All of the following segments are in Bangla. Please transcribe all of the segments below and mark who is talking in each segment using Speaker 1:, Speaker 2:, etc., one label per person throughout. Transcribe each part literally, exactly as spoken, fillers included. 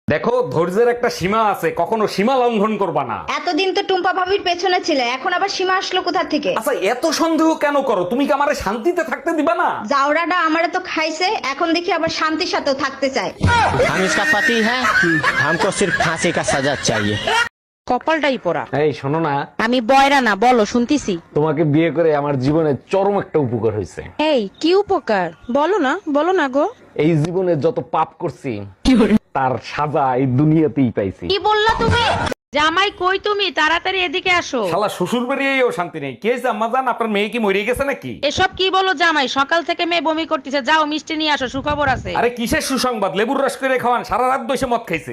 Speaker 1: দেখো, ধৈর্যের একটা সীমা আছে, কখনো সীমা লঙ্ঘন করবা না।
Speaker 2: এতদিন তো টুম্পা ভাবির পেছনে ছিলে, এখন আবার সীমা আসলো কোথা থেকে?
Speaker 1: আচ্ছা, এত সন্দেহ কেন করো? তুমি কি আমারে শান্তিতে থাকতে দিবা না?
Speaker 2: জাউরাটা আমারে তো খাইছে, এখন দেখি আবার শান্তির সাথেও থাকতে চায়।
Speaker 3: हम इसका पति है हमको सिर्फ फांसी का सजा चाहिए।
Speaker 4: কপালটাই পড়া।
Speaker 1: এই শোনো না,
Speaker 4: আমি বয়রা না, বলো শুনতিছি।
Speaker 1: তোমাকে বিয়ে করে আমার জীবনে চরম একটা উপকার হয়েছে।
Speaker 4: এই কি উপকার বলো না, বলো না গো।
Speaker 1: এই জীবনে যত পাপ করছি তার সাজা এই দুনিয়াতেই পাইছি।
Speaker 4: কি বললা তুমি? জামাই কই তুমি? তাড়াতাড়ি এদিকে আসো।
Speaker 1: শালা শ্বশুর বাড়িয়েও শান্তি নেই। কে জাম্মা জান, আপনার মেয়ে কি মরে গেছে নাকি?
Speaker 4: এসব কি বলো জামাই? সকাল থেকে মেয়ে বমি করতেছে, যাও মিষ্টি নিয়ে আসো, সুখবর আছে।
Speaker 1: আরে কিসের সুসংবাদ? লেবুর রস করে খাওয়ান, সারা রাত বসে মদ খাইছে।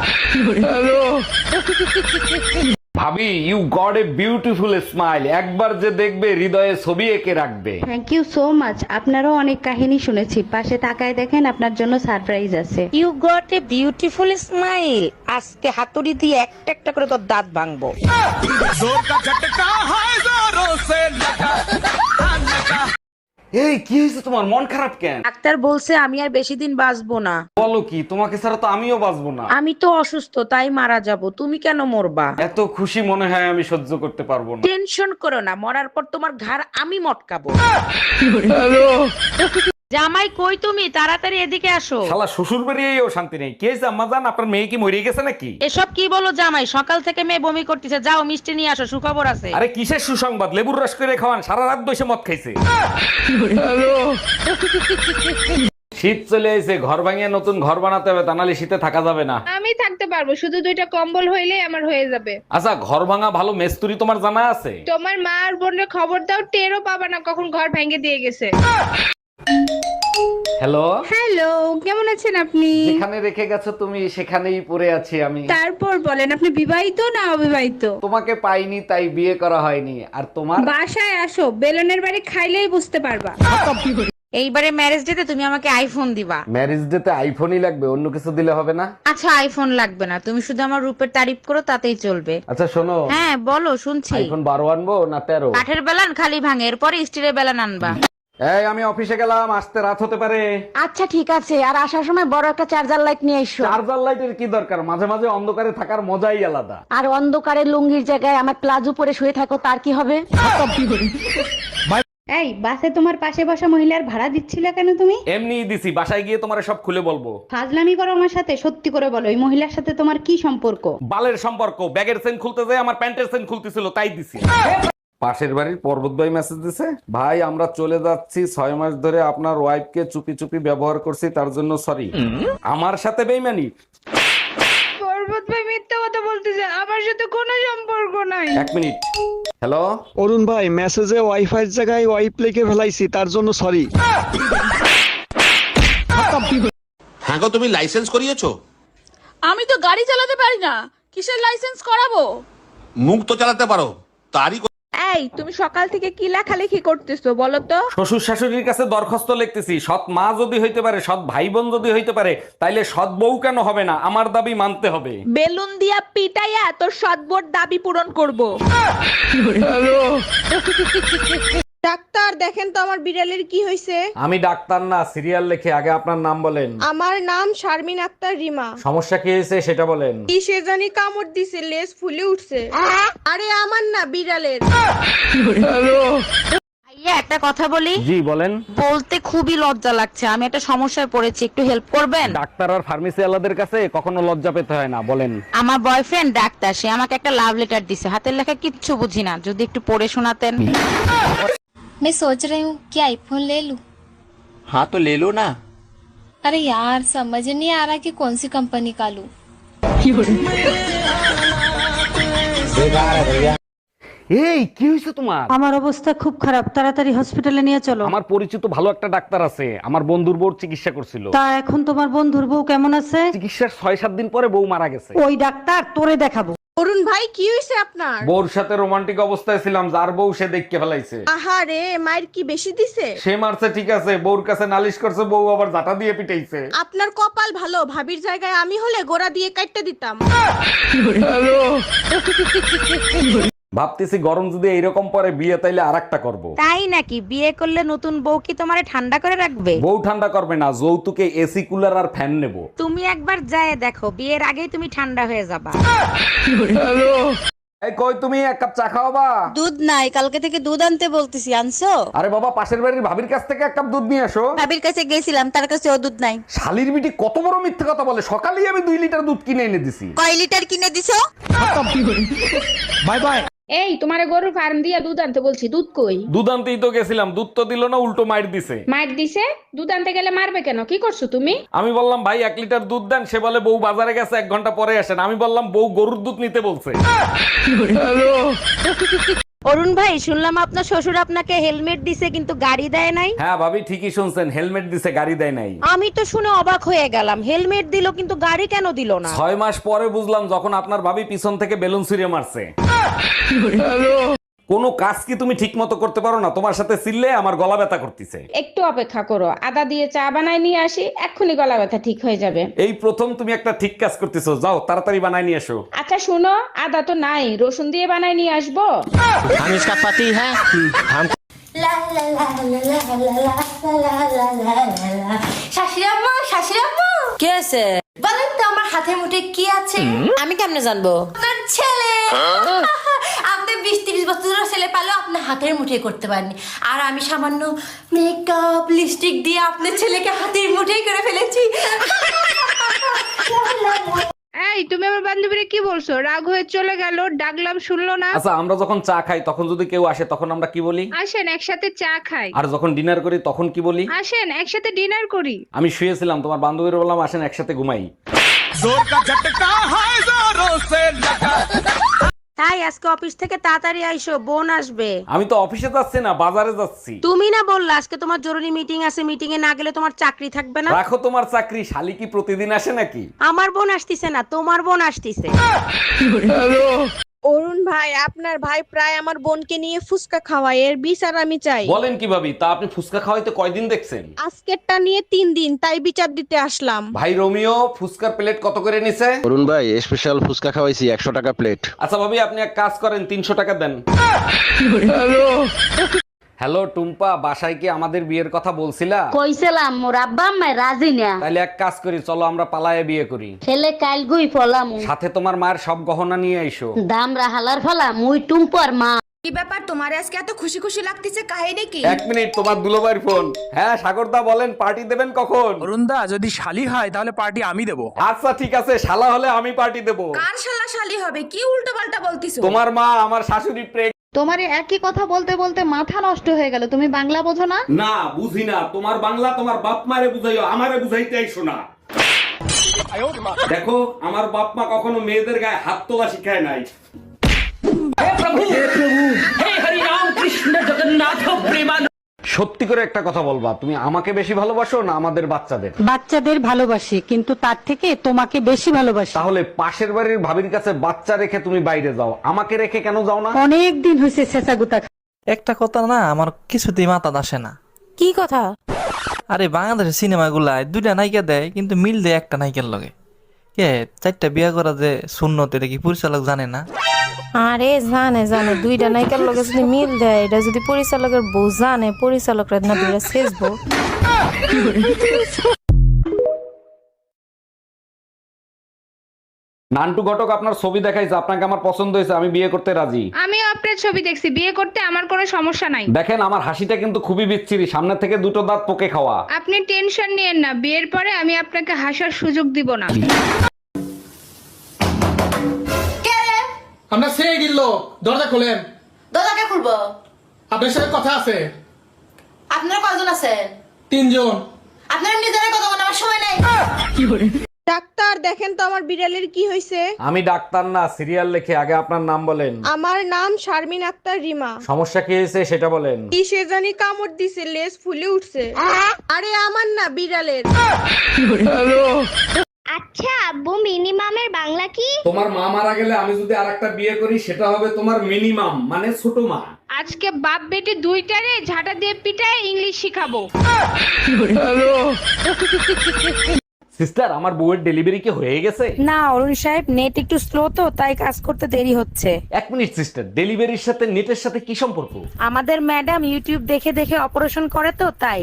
Speaker 1: ভাবি, you got a beautiful smile. একবার যে দেখবে হৃদয়ে ছবি এঁকে রাখবে।
Speaker 2: Thank you so much. আপনারও অনেক কাহিনী শুনেছি, পাশে তাকায় দেখেন আপনার জন্য সারপ্রাইজ আছে।
Speaker 4: You got a beautiful smile. আজকে হাতুড়ি দিয়ে একটা একটা করে তোর দাঁত ভাঙবো।
Speaker 1: এই কি হয়েছে তোমার? মন খারাপ কেন?
Speaker 4: ডাক্তার বলছে আমি আর বেশি দিন বাঁচবো না।
Speaker 1: বলো কি? তোমাকে ছাড়া তো আমিও বাঁচবো না।
Speaker 4: আমি তো অসুস্থ, তাই মারা যাব। তুমি কেন মরবা?
Speaker 1: এত খুশি মনে হয় আমি সহ্য করতে পারবো না।
Speaker 4: টেনশন করো না, মরার পর তোমার ঘাড় আমি মটকাবো। জামাই কই তুমি? তাড়াতাড়ি এদিকে আসো।
Speaker 1: শালা শ্বশুর বাড়িয়েও শান্তি নেই। কে জাম্মা জান, আপনার মেয়ে কি মরে গেছে নাকি?
Speaker 4: এসব কি বলো জামাই? সকাল থেকে মেয়ে বমি করতেছে, যাও মিষ্টি নিয়ে আসো, সুখবর আছে।
Speaker 1: আরে কিসের সুসংবাদ? লেবুর রস করে খাওয়ান, সারা রাত বসে মদ খাইছে। শীত চলে এসে, ঘর ভাঙিয়ে নতুন ঘর বানাতে হবে, তা নাহলে শীতে থাকা যাবে না।
Speaker 5: আমি থাকতে পারবো, শুধু দুইটা কম্বল হইলেই আমার হয়ে যাবে।
Speaker 1: আচ্ছা, ঘর ভাঙা ভালো মেস্তুরি তোমার জানা আছে?
Speaker 5: তোমার মা আর বোনের খবর দাও, টেরও পাবা না কখন ঘর ভেঙে দিয়ে গেছে।
Speaker 1: হ্যালো,
Speaker 5: হ্যালো, কেমন আছেন আপনি?
Speaker 1: যেখানে রেখে গেছো তুমি সেখানেই পড়ে আছি আমি।
Speaker 5: তারপর বলেন, আপনি বিবাহিত না অবিবাহিত?
Speaker 1: তোমাকে পাইনি তাই বিয়ে করা হয়নি। আর তোমার?
Speaker 5: বাসায় আসো, বেলনের বাড়ি খাইলেই বুঝতে পারবা।
Speaker 4: এইবারে ম্যারেজ ডেতে তুমি আমাকে আইফোন দিবা।
Speaker 1: ম্যারেজ ডেতে আইফোনই লাগবে, অন্য কিছু দিলে হবে না?
Speaker 4: আচ্ছা আইফোন লাগবে না, তুমি শুধু আমার রূপের তারিফ করো, তাতেই চলবে।
Speaker 1: আচ্ছা শোনো,
Speaker 4: হ্যাঁ বলো, শুনছি।
Speaker 1: আইফোন বারো আনবো না তেরো?
Speaker 4: কাঠের বেলান খালি ভাঙে, এরপরে স্টিলের বেলান আনবা।
Speaker 1: এই আমি অফিসে গেলাম, আসতে রাত হতে পারে।
Speaker 2: আচ্ছা ঠিক আছে, আর আসার সময় বড় একটা চার্জার লাইট নিয়ে এসো।
Speaker 1: চার্জার লাইটের কি দরকার? মাঝে মাঝে অন্ধকারে থাকার মজাই আলাদা।
Speaker 2: আর অন্ধকারে লুঙ্গির জায়গায় আমার প্লাজো পরে শুয়ে থাকো, তার কি হবে? এই বাসে তোমার পাশে বসা মহিলার ভাড়া দিচ্ছিলে কেন তুমি?
Speaker 1: এমনি দিছি, বাসায় গিয়ে তোমার সব খুলে বলবো।
Speaker 2: ফাজলামি করো আমার সাথে, সত্যি করে বলো এই মহিলার সাথে তোমার কি সম্পর্ক?
Speaker 1: বালের সম্পর্ক। ব্যাগের চেন খুলতে যায় আমার প্যান্টের চেন খুলতেছিল, তাই দিছি। পাশের বাড়ির পর্বত ভাই মেসেজ দিছে, ভাই আমরা চলে যাচ্ছি, ছয় মাস ধরে আপনার ওয়াইফকে চুপি চুপি ব্যবহার করছি, তার জন্য সরি। আমার সাথে বেইমানি?
Speaker 5: পর্বত ভাই মিথ্যা কথা বলতেছে, আমার সাথে কোনো সম্পর্ক নাই।
Speaker 1: এক মিনিট। হ্যালো,
Speaker 6: অরুণ ভাই, মেসেজে ওয়াইফাই জায়গায় ওয়াইপ লিখে ফেলাইছি, তার জন্য সরি।
Speaker 7: হ্যাঁ গো, তুমি লাইসেন্স করিয়েছো?
Speaker 8: আমি তো গাড়ি চালাতে পারি না, কিসের লাইসেন্স করাবো?
Speaker 7: মুখ তো চালাতে পারো, তারই ক-
Speaker 5: এই তুমি সকাল থেকে কি লেখালেখি করতেছো বলো তো?
Speaker 1: শ্বশুর শাশুড়ির কাছে দরখাস্ত লিখতেছি, সৎ মা যদি হইতে পারে, সৎ ভাই বোন যদি হইতে পারে, তাইলে সৎ বউ কেন হবে না? আমার দাবি মানতে হবে।
Speaker 5: বেলুন দিয়া পিটাইয়া তোর সদবোর দাবি পূরণ করব। ডাক্তার দেখেন তো আমার বিড়ালের কি হয়েছে।
Speaker 1: আমি ডাক্তার না, সিরিয়াল লেখে। আগে আপনার নাম বলেন।
Speaker 5: আমার নাম শারমিন আক্তার রিমা।
Speaker 1: সমস্যা কি হয়েছে সেটা বলেন।
Speaker 5: কি সে জানি কামড় দিছে, লেজ ফুলে উঠছে। আরে আমার না, বিড়ালের।
Speaker 4: ভাইয়া একটা কথা বলি।
Speaker 1: জি বলেন।
Speaker 4: বলতে খুবই লজ্জা লাগছে, আমি একটা সমস্যায় পড়েছি, একটু হেল্প করবেন?
Speaker 1: ডাক্তার আর ফার্মেসি আলাদের কাছে কখনো লজ্জা পেতে হয় না, বলেন।
Speaker 4: আমার বয়ফ্রেন্ড ডাক্তার, সে আমাকে একটা লাভ লেটার দিছে, হাতের লেখা কিচ্ছু বুঝি না, যদি একটু পড়ে শোনাতেন।
Speaker 9: मैं सोच रही हूँ कि आईफोन ले लूं।
Speaker 3: हाँ तो ले लो ना।
Speaker 9: अरे यार समझ नहीं आ रहा कि कौन सी कंपनी का लूं।
Speaker 1: এই কি হয়েছে তোমার?
Speaker 2: আমার অবস্থা খুব খারাপ, তাড়াতাড়ি হসপিটালে নিয়ে চলো।
Speaker 1: আমার পরিচিত ভালো একটা ডাক্তার আছে, আমার বন্ধুর বউর চিকিৎসা করছিল।
Speaker 2: তা এখন তোমার বন্ধুর বউ কেমন আছে?
Speaker 1: চিকিৎসার ছয় সাত দিন পরে বউ মারা গেছে।
Speaker 2: ওই ডাক্তার তোরে দেখাবো।
Speaker 5: অরুণ ভাই কি হয়েছে আপনার?
Speaker 1: বউর সাথে রোমান্টিক অবস্থায় ছিলাম, যার বউ সে দেখকে ফেলাইছে।
Speaker 5: আহারে, মায়ের কি বেশি দিছে?
Speaker 1: সে মারছে ঠিক আছে, বউর কাছে নালিশ করছে, বউ আবার জাটা দিয়ে পিটাইছে।
Speaker 5: আপনার কপাল ভালো, ভাবির জায়গায় আমি হলে গোড়া দিয়ে কাটতে দিতাম।
Speaker 1: ভাবতেছি গরম যদি এইরকম পরে বিয়ে তাইলে আরেকটা করব।
Speaker 4: তাই নাকি? বিয়ে করলে নতুন বউ কি তোমারে ঠান্ডা করে রাখবে?
Speaker 1: বউ ঠান্ডা করবে না, যৌতুকে এসি কুলার আর ফ্যান নেব।
Speaker 4: তুমি একবার যায় দেখো, বিয়ের আগেই তুমি ঠান্ডা হয়ে যাবা।
Speaker 1: এই কই তুমি, এক কাপ চা খাওয়াবা?
Speaker 4: দুধ নাই, কালকে থেকে দুধ আনতে বলতেছি, আনছো?
Speaker 1: আরে বাবা, পাশের বাড়ির ভাবির কাছ থেকে এক কাপ দুধ নিয়ে আসো।
Speaker 4: ভাবির কাছে গেছিলাম, তার কাছে ও দুধ নাই।
Speaker 1: শালির বিটি কত বড় মিথ্যে কথা বলে, সকালেই আমি দুই লিটার দুধ কিনে এনে দিছি।
Speaker 4: কয় লিটার কিনে দিছো?
Speaker 1: Bye bye.
Speaker 5: এই তোমারে গরুর ফার্ম দিয়া দুধ আনতে বলছি, দুধ কই?
Speaker 1: দুধ আনতেই তো গেছিলাম, দুধ তো দিল না, উল্টো মাইর দিছে।
Speaker 5: মার দিছে? দুধ আনতে গেলে মারবে কেন? কি করছো তুমি?
Speaker 1: আমি বললাম ভাই এক লিটার দুধ দেন, সে বলে বউ বাজারে গেছে, এক ঘন্টা পরে আসেন। আমি বললাম বউ গরুর দুধ নিতে বলছে।
Speaker 4: অরুণ ভাই, শুনলাম আপনার শ্বশুর আপনাকে হেলমেট দিছে কিন্তু গাড়ি দেয় নাই।
Speaker 1: হ্যাঁ ভাবি, ঠিকই শুনছেন, হেলমেট দিছে, গাড়ি দেয় নাই।
Speaker 4: আমি তো শুনে অবাক হয়ে গেলাম, হেলমেট দিল কিন্তু গাড়ি কেন দিল না?
Speaker 1: ছয় মাস পরে বুঝলাম, যখন আপনার ভাবি পিছন থেকে বেলুন ছুঁড়ে মারছে। কোনো কাজ কি তুমি ঠিক মতো করতে পারো না? তোমার সাথে চিল্লে আমার গলা ব্যথা করতেছে।
Speaker 5: একটু অপেক্ষা করো, আদা দিয়ে চা বানাই নিয়ে আসি, এক্ষুনি গলা ব্যথা ঠিক হয়ে যাবে।
Speaker 1: এই প্রথম তুমি একটা ঠিক কাজ করতেছো, যাও তাড়াতাড়ি বানাই নিয়ে এসো।
Speaker 5: আচ্ছা শুনো, আদা তো নাই, রসুন দিয়ে বানাই নিয়ে আসবো।
Speaker 3: हम इसका पति है, हम
Speaker 9: শাশুড়াম্মা শাশুড়াম্মা
Speaker 4: কি আছে?
Speaker 9: বলেন তো আমার হাতের মুঠে কি আছে?
Speaker 4: আমি কেমনে জানবো?
Speaker 9: আপনার ছেলে। আপনি বিশ তিরিশ বছরের ছেলে পালেও আপনার হাতের মুঠে করতে পারেনি, আর আমি সামান্য মেকআপ লিপস্টিক দিয়ে আপনার ছেলেকে হাতের মুঠেই করে ফেলেছি।
Speaker 5: এই তুমি আমার বান্ধবীরে কি বলছো? রাগ হয়ে চলে গেল, ডাকলাম শুনলো না।
Speaker 1: আচ্ছা, আমরা যখন চা খাই তখন যদি কেউ আসে তখন আমরা কি বলি?
Speaker 5: আসেন একসাথে চা খাই।
Speaker 1: আর যখন ডিনার করি তখন কি বলি?
Speaker 5: আসেন একসাথে ডিনার করি।
Speaker 1: আমি শুয়েছিলাম, তোমার বান্ধবীর বললাম আসেন একসাথে ঘুমাই।
Speaker 4: তাই আজকে অফিস থেকে তাড়াতাড়ি আইসো, বোন আসবে।
Speaker 1: আমি তো অফিসে যাচ্ছি না, বাজারে যাচ্ছি।
Speaker 4: তুমি না বললা আজকে তোমার জরুরি মিটিং আছে, মিটিং এ না গেলে তোমার চাকরি থাকবে না?
Speaker 1: রাখো তোমার চাকরি, শালি কি প্রতিদিন আসে নাকি?
Speaker 4: আমার বোন আসতিছে না, তোমার বোন আসতিছে।
Speaker 8: অরুণ ভাই, আপনার ভাই প্রায় আমার বোনকে নিয়ে ফুসকা খাওয়ায়, এর বিচার আমি চাই।
Speaker 1: বলেন কি ভাবি, তা আপনি ফুচকা খাওয়াইতে কয়দিন দেখছেন?
Speaker 8: আজকেরটা নিয়ে তিন দিন, তাই বিচার দিতে আসলাম।
Speaker 1: ভাই রোমিও, ফুচকার প্লেট কত করে নিছে?
Speaker 6: অরুণ ভাই স্পেশাল ফুচকা খাওয়াইছি একশো টাকা প্লেট।
Speaker 1: আচ্ছা ভাবি, আপনি এক কাজ করেন, তিনশো টাকা দেন। হ্যালো টুম্পা, বাসায় কি আমাদের বিয়ের কথা বলছিলা?
Speaker 2: কইছিলাম মোর আব্বা আম্মা রাজি না।
Speaker 1: তাইলে এক কাজ করি, চলো আমরা পালায়ে বিয়ে করি।
Speaker 2: ছেলে কাল গুই ফলাম,
Speaker 1: সাথে তোমার মায়ের সব গহনা নিয়ে আইসো।
Speaker 2: দাম রাহালার ফলা মুই টুম্পর মা।
Speaker 8: কি ব্যাপার, তোমার আজকে এত খুশি খুশি লাগতেছে, কাহিনী কি?
Speaker 1: এক মিনিট, তোমার দুলোবাইর ফোন। হ্যাঁ সাগরদা বলেন, পার্টি দেবেন কখন?
Speaker 10: অরুণদা, যদি শালি হয় তাহলে পার্টি আমি দেবো।
Speaker 1: আচ্ছা ঠিক আছে, শালা হলে আমি পার্টি দেবো।
Speaker 8: কার শালা শালি হবে? কি উল্টো পাল্টা বলতিছো?
Speaker 1: তোমার মা আমার শাশুড়ি প্রেগ।
Speaker 2: তোমার একই কথা বলতে বলতে মাথা নষ্ট হয়ে গেল, তুমি বাংলা বোঝো না?
Speaker 1: না বুঝি না, তোমার বাংলা তোমার বাপ মারে বুঝাইও, আমারে বুঝাইতে আইসো না। দেখো, আমার বাপ মা কখনো মেয়েদের গায়ে হাত তোলা শিখায় নাই। সত্যি করে একটা কথা বলবা, তুমি আমাকে বেশি ভালোবাসো না আমাদের বাচ্চাদের?
Speaker 4: বাচ্চাদের ভালোবাসি, কিন্তু তার থেকে তোমাকে বেশি ভালোবাসি।
Speaker 1: তাহলে পাশের বাড়ির ভাবির কাছে বাচ্চা রেখে তুমি বাইরে যাও, আমাকে রেখে কেন যাও না?
Speaker 4: অনেক দিন হয়েছে ছেঁচাগুতা।
Speaker 10: একটা কথা না আমার কিছুতেই মাথা আসে না।
Speaker 4: কি কথা?
Speaker 10: আরে বাংলাদেশের সিনেমাগুলায় দুইটা নায়িকা দেয় কিন্তু মিল দেয় একটা নায়িকার লগে। কে চারটা বিয়া করা যে শূন্যত, এটা কি পরিচালক জানে না?
Speaker 9: আরে জানে জানে, দুইটা নায়িকার লগে যদি মিল দেয়, এটা যদি পরিচালকের বউ জানে, পরিচালকরা না দুইটা শেষবো।
Speaker 1: নান্টু ঘটক আপনার ছবি দেখাইছে, আপনাকে আমার পছন্দ হয়েছে, আমি বিয়ে করতে রাজি।
Speaker 5: আমি আপনার ছবি দেখছি, বিয়ে করতে আমার কোনো সমস্যা নাই।
Speaker 1: দেখেন আমার হাসিটা কিন্তু খুবই বিচ্ছিরি, সামনে থেকে দুটো দাঁত পোকে খাওয়া।
Speaker 5: আপনি টেনশন নিয়েন না, বিয়ের পরে আমি আপনাকে হাসার সুযোগ দিব না।
Speaker 10: আমরা সে গিল্ল, দরজা খোলেন।
Speaker 9: দাদাকে খুলবো?
Speaker 10: আপনার সাথে কথা আছে।
Speaker 9: আপনারা কয়জন আছেন?
Speaker 10: তিনজন।
Speaker 9: আপনারা নিজেরা কথা বলার আমার সময় নাই।
Speaker 8: ডাক্তার দেখেন তো আমার বিড়ালের কি হয়েছে।
Speaker 1: আমি ডাক্তার না, সিরিয়াল লেখে। আগে আপনার নাম বলেন।
Speaker 8: আমার নাম শারমিন আক্তার রিমা।
Speaker 1: সমস্যা কি হয়েছে সেটা বলেন।
Speaker 8: কি সে জানি কামড় দিছে, লেজ ফুলে উঠছে। আরে আমার না, বিড়ালের।
Speaker 2: আচ্ছা আব্বু, মিনিমামের বাংলা কি?
Speaker 1: তোমার মা মারা গেলে আমি যদি আরেকটা বিয়ে করি, সেটা হবে তোমার মিনিমাম, মানে ছোট মা।
Speaker 5: আজকে বাপ বেটি দুইটারে ঝাঁটা দিয়ে পিটায় ইংলিশ শিখাবো।
Speaker 1: সিস্টার, আমার বউয়ের ডেলিভারি কি হয়ে গেছে?
Speaker 4: না অরুণ সাহেব, নেট একটু স্লো তো তাই কাজ করতে দেরি হচ্ছে।
Speaker 1: এক মিনিট সিস্টার, ডেলিভারির সাথে নেটের সাথে কি সম্পর্ক?
Speaker 4: আমাদের ম্যাডাম ইউটিউব দেখে দেখে অপারেশন করে তো তাই।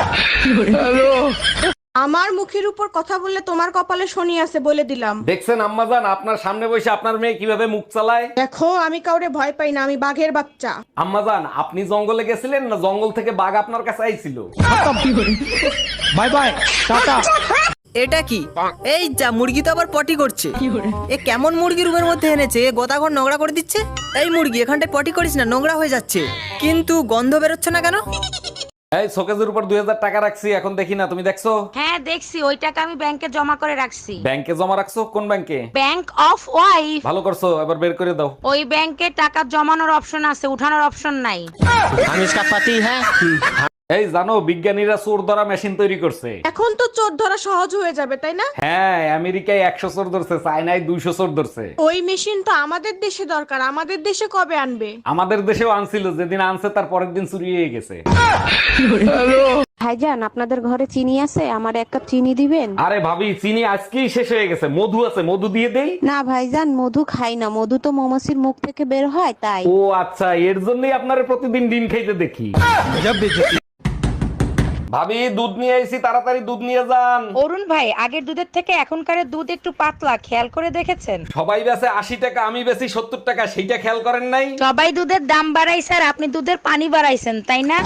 Speaker 8: আমার মুখের উপর কথা বললে তোমার কপালে শনি আছে বলে দিলাম।
Speaker 1: দেখছেন আম্মাজান, আপনার সামনে বসে আপনার মেয়ে কিভাবে মুখ চালায়।
Speaker 8: দেখো আমি কাউরে ভয় পাই না, আমি বাঘের বাচ্চা।
Speaker 1: আম্মাজান, আপনি জঙ্গলে গেছিলেন না জঙ্গল থেকে বাঘ আপনার কাছে আইছিল?
Speaker 3: Bye bye tata.
Speaker 11: এটা কি? এই যা, মুরগি তো আবার পটি করছে। এ কেমন মুরগি রুমের মধ্যে এনেছে? এ গোতাঘর নোংরা করে দিচ্ছে। এই মুরগি, এখানটায় পটি করিস না, নোংরা হয়ে যাচ্ছে। কিন্তু গন্ধ বেরোচ্ছে না কেন?
Speaker 1: এই শোকেজের উপর দুই হাজার টাকা রাখছি, এখন দেখি না, তুমি দেখছো?
Speaker 4: হ্যাঁ দেখছি, ওই টাকা আমি ব্যাংকে জমা করে রাখছি।
Speaker 1: ব্যাংকে জমা রাখছো? কোন ব্যাংকে?
Speaker 4: Bank of wife.
Speaker 1: ভালো করছো, এবার বের করে দাও।
Speaker 4: ওই ব্যাংকে টাকা জমানোর অপশন আছে, উঠানোর অপশন নাই।
Speaker 3: हम इसका पति है।
Speaker 1: এই জানো, বিজ্ঞানীরা চোর ধরা মেশিন তৈরি করছে।
Speaker 8: এখন তো চোর ধরা সহজ হয়ে যাবে, তাই না?
Speaker 1: হ্যাঁ, আমেরিকায় একশো চোর ধরছে, চায়নায় দুইশো চোর ধরছে।
Speaker 8: ওই মেশিন তো আমাদের দেশে দরকার, আমাদের দেশে কবে আনবে?
Speaker 1: আমাদের দেশেও আনছিল, যেদিন আনছে তার পরের দিন চুরি হয়ে গেছে।
Speaker 2: ভাইজান, আপনাদের ঘরে চিনি আছে? আমার এক কাপ চিনি দিবেন?
Speaker 1: আরে ভাবি, চিনি আজকেই শেষ হয়ে গেছে। মধু আছে, মধু দিয়ে দেই?
Speaker 2: না ভাইজান, মধু খাই না, মধু তো মৌমাছির মুখ থেকে বের হয় তাই।
Speaker 1: ও আচ্ছা, এর জন্যই আপনারা প্রতিদিন ডিম খাইতে দেখি। ভাবি, দুধ নিয়ে আইছি, তাড়াতাড়ি দুধ নিয়ে যান।
Speaker 4: অরুণ ভাই, আগের দুধের থেকে এখনকার দুধ একটু পাতলা, খেয়াল করে দেখেছেন?
Speaker 1: সবাই বেচে আশি টাকা, আমি বেশি সত্তর টাকা, সেইটা খেয়াল করেন নাই?
Speaker 4: সবাই দুধের দাম বাড়াইছে আর আপনি দুধের পানি বাড়াইছেন, তাই না?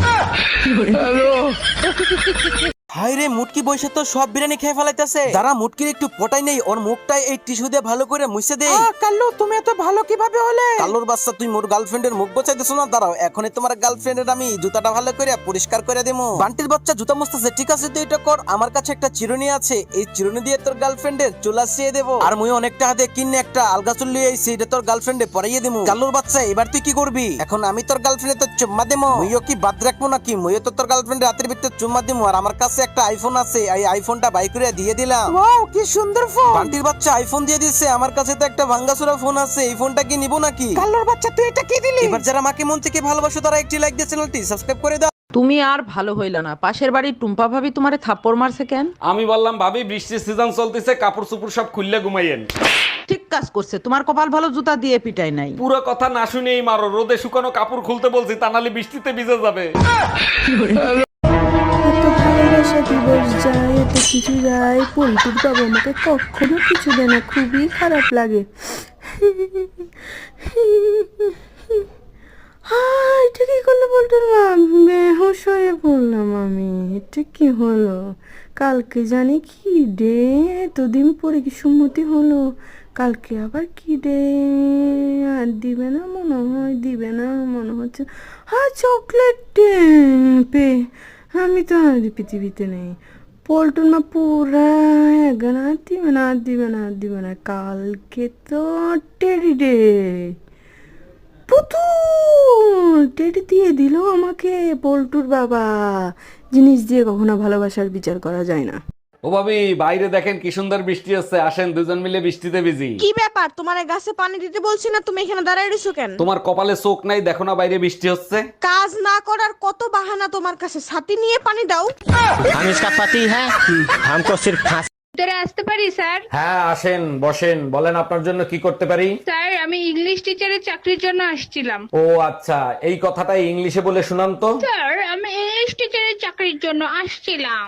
Speaker 11: হাই রে, মুটকি বসে তো সব বিরিয়ানি খেয়ে ফেলাইতেছে। যারা মুটকির একটু পটাই নেই, ওর মুখটাই এই টিস্যু দিয়ে ভালো করে মুছে দে। কাল্লু, তুমি এত ভালো কিভাবে হলে? কাল্লুর বাচ্চা, তুই মোর গার্লফ্রেন্ডের মুখ বোঝাইতেছ না? দাঁড়াও, এখনই তোমার গার্লফ্রেন্ডের আমি জুতাটা ভালো করে পরিষ্কার করে দেবো। বান্টির বাচ্চা জুতা মুছতেছে, ঠিক আছে তুই এটা কর। আমার কাছে একটা চিরুনি আছে, এই চিরুনি দিয়ে তোর গার্লফ্রেন্ডের চুল আসিয়ে দেবো। আর মুই অনেকটা হাতে কিনে একটা আলগা চুল লিয়ে আইছি, এটা তোর গার্লফ্রেন্ডে পরাইয়ে দেবো। কাল্লুর বাচ্চা, এবার তুই কি করবি? এখন আমি তোর গার্লফ্রেন্ডে তোর চুম্মা দেবো। মুইও কি বাদ রাখবো নাকি? মুইও তো তোর গার্লফ্রেন্ডের হাতের ভিতরে চুম্মা দেবো। আর আমার কাছে একটা আইফোন আছে, এই আইফোনটা বাই করে দিয়ে দিলাম। ওয়াও, কি সুন্দর ফোন। বান্টির বাচ্চা আইফোন দিয়ে দিয়েছে, আমার কাছে তো একটা ভাঙ্গাচোরা ফোন আছে, এই ফোনটা কি নিব নাকি? কাল্লুর বাচ্চা, তুই এটা কি দিলি? এবার যারা আমাকে মন থেকে ভালোবাসো তারা একটি লাইক দিয়ে চ্যানেলটি সাবস্ক্রাইব করে দাও। তুমি আর ভালো হইল না। পাশের বাড়ির টুম্পা ভাবি তোমারে থাপ্পড় মারছে কেন?
Speaker 1: আমি বললাম, ভাবি বৃষ্টির সিজন চলতেছে, কাপড় চুপড় সব খুললে ঘুমাইয়েন।
Speaker 11: ঠিক কাজ করছে, তোমার কপাল ভালো, জুতা দিয়ে পিটাই নাই।
Speaker 1: পুরো কথা না শুনেই মারো, রোদে শুকানো কাপড় খুলতে বলছি, তা নাহলে বৃষ্টিতে ভিজে যাবে।
Speaker 5: ভালোবাসা দিবস যায়, এত কিছু যায়, পল্টুর বাবা আমাকে কখনো কিছু দেয় না, খুবই খারাপ লাগে। হ্যাঁ, এটা কি করলো পল্টুর বাবা? বেহুশ হয়ে পড়লাম আমি। এটা কি হলো? কালকে জানি কি ডে, এতদিন পরে কি সুমতি হলো? কালকে আবার কি ডে? আর দিবে না মনে হয়, দিবে না মনে হচ্ছে। হ্যাঁ, চকলেট ডে পে। আমি তো আর পৃথিবীতে নেই। পল্টুর মা পুরা একগান আর দিবে না, আর দিবে না, আর দিবে না। কালকে তো টেডি ডে। পুতুল টেডি দিয়ে দিল আমাকে পল্টুর বাবা। জিনিস দিয়ে কখনো ভালোবাসার বিচার করা যায় না।
Speaker 1: ও ভাবি, বাইরে দেখেন কি সুন্দর বৃষ্টি হচ্ছে, আসেন দুজন মিলে বৃষ্টিতে ভিজি।
Speaker 8: কি ব্যাপার, তোমার গাছে পানি দিতে বলছি না, তুমি এখানে দাঁড়ায় রইছো কেন?
Speaker 1: তোমার কপালে চোখ নাই, দেখো না বাইরে বৃষ্টি হচ্ছে।
Speaker 8: কাজ না করার কত বাহানা তোমার কাছে, ছাতি নিয়ে পানি দাও।
Speaker 3: हम इसका पति है। हमको सिर्फ फांसी।
Speaker 5: ভিতরে আসতে পারি স্যার?
Speaker 1: হ্যাঁ আসেন, বসেন, বলেন আপনার জন্য কি করতে পারি।
Speaker 5: স্যার, আমি ইংলিশ টিচারের চাকরির জন্য আসছিলাম।
Speaker 1: ও আচ্ছা, এই কথাটা ইংলিশে বলে শুনান তো।
Speaker 5: স্যার, আমি ইংলিশ টিচারের চাকরির জন্য আসছিলাম।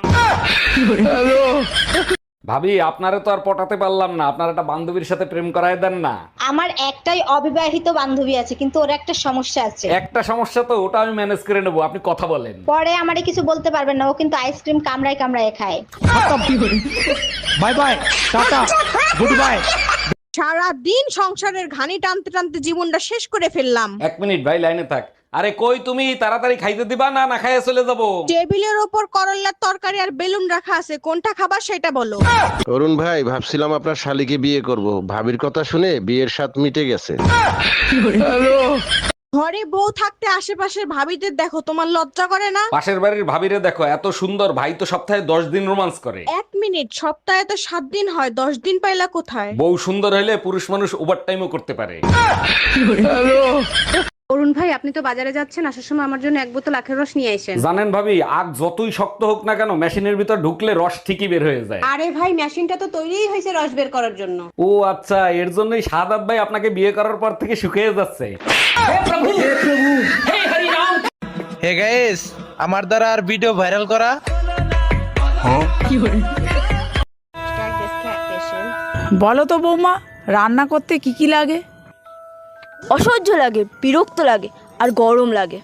Speaker 1: ভাবি, আপনারে তো আর পটাতে পারলাম না, আপনার একটা বান্ধবীর সাথে প্রেম করায় দেন না।
Speaker 9: আমার একটাই অবিবাহিত বান্ধবী আছে, কিন্তু ওর একটা সমস্যা আছে।
Speaker 1: একটা সমস্যা তো, ওটা আমি ম্যানেজ করে নেবো, আপনি কথা বলেন।
Speaker 9: পরে আমারে কিছু বলতে পারবেন না, ও কিন্তু আইসক্রিম কামড়ায় কামড়ায় খায়।
Speaker 3: Bye bye tata goodbye.
Speaker 8: সারা দিন সংসারের ঘানি টানতে টানতে জীবনটা শেষ করে ফেললাম।
Speaker 1: এক মিনিট ভাই, লাইনে থাক। আরে কই তুমি, তাড়াতাড়ি খাইতে দিবা না না খাইয়ে চলে যাবো?
Speaker 8: টেবিলের ওপর করল্লার তরকারি আর বেলুন রাখা আছে, কোনটা খাবার সেটা বলো।
Speaker 12: অরুণ ভাই, ভাবছিলাম আপনার শালিকে বিয়ে করব, ভাবির কথা শুনে বিয়ের স্বাদ মিটে গেছে।
Speaker 8: ঘরে বউ থাকতে আশেপাশের ভাবিদের দেখো, তোমার লজ্জা করে না?
Speaker 1: পাশের বাড়ির ভাবিরে দেখো, এত সুন্দর, ভাই তো সপ্তাহে দশ দিন রোমান্স করে।
Speaker 8: এক মিনিট, সপ্তাহে তো সাত দিন হয়, দশ দিন পাইলা কোথায়?
Speaker 1: বউ সুন্দর হলে পুরুষ মানুষ ওভার টাইমও করতে পারে।
Speaker 2: অরুণ ভাই আপনি তো বাজারে যাচ্ছেন, আসার সময় আমার জন্য এক বোতল আখের রস নিয়ে আসেন।
Speaker 1: জানেন ভাবি, আগ যতই শক্ত হোক না কেন মেশিনের ভিতর ঢুকলে রস ঠিকই বের হয়ে যায়।
Speaker 2: আরে ভাই মেশিনটা তো তৈরিই হয়েছে রস বের করার জন্য।
Speaker 1: ও আচ্ছা, এর জন্যই সাদাত ভাই আপনাকে বিয়ে করার পর থেকে শুকিয়ে যাচ্ছে।
Speaker 3: হে গাইস, আমার দ্বারা আর ভিডিও ভাইরাল করা।
Speaker 8: বলো তো বৌমা, রান্না করতে কি কি লাগে?
Speaker 9: অসহ্য লাগে, বিরক্ত লাগে আর গরম লাগে।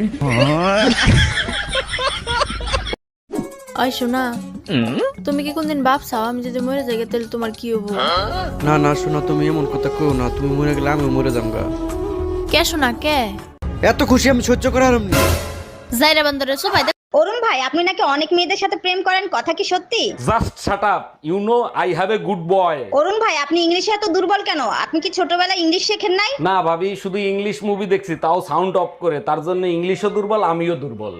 Speaker 8: ওই শোনা, তুমি কি কোনদিন ভাবছাও আমি যদি মরে যাই তাহলে তোমার কি হবো?
Speaker 11: না না শোনো, তুমি এমন কথা কও না, তুমি মরে গেলে আমি মরে যামগা।
Speaker 8: কে শোনা কে?
Speaker 11: এত খুশি আমি সহ্য করার না।
Speaker 8: জাইরা বান্দরে সবাই
Speaker 9: অরুণ ভাই, আপনি নাকি অনেক মেয়েদের সাথে প্রেম করেন, কথা কি সত্যি?
Speaker 1: Just shut up, you know I have a good boy.
Speaker 9: Arun ভাই, আপনি ইংলিশে এত দুর্বল কেন? আপনি কি ছোটবেলায় ইংলিশ শেখেন নাই?
Speaker 1: না ভাবি, শুধু ইংলিশ মুভি দেখছি, তাও সাউন্ড অফ করে, তার জন্য ইংলিশও দুর্বল আমিও দুর্বল।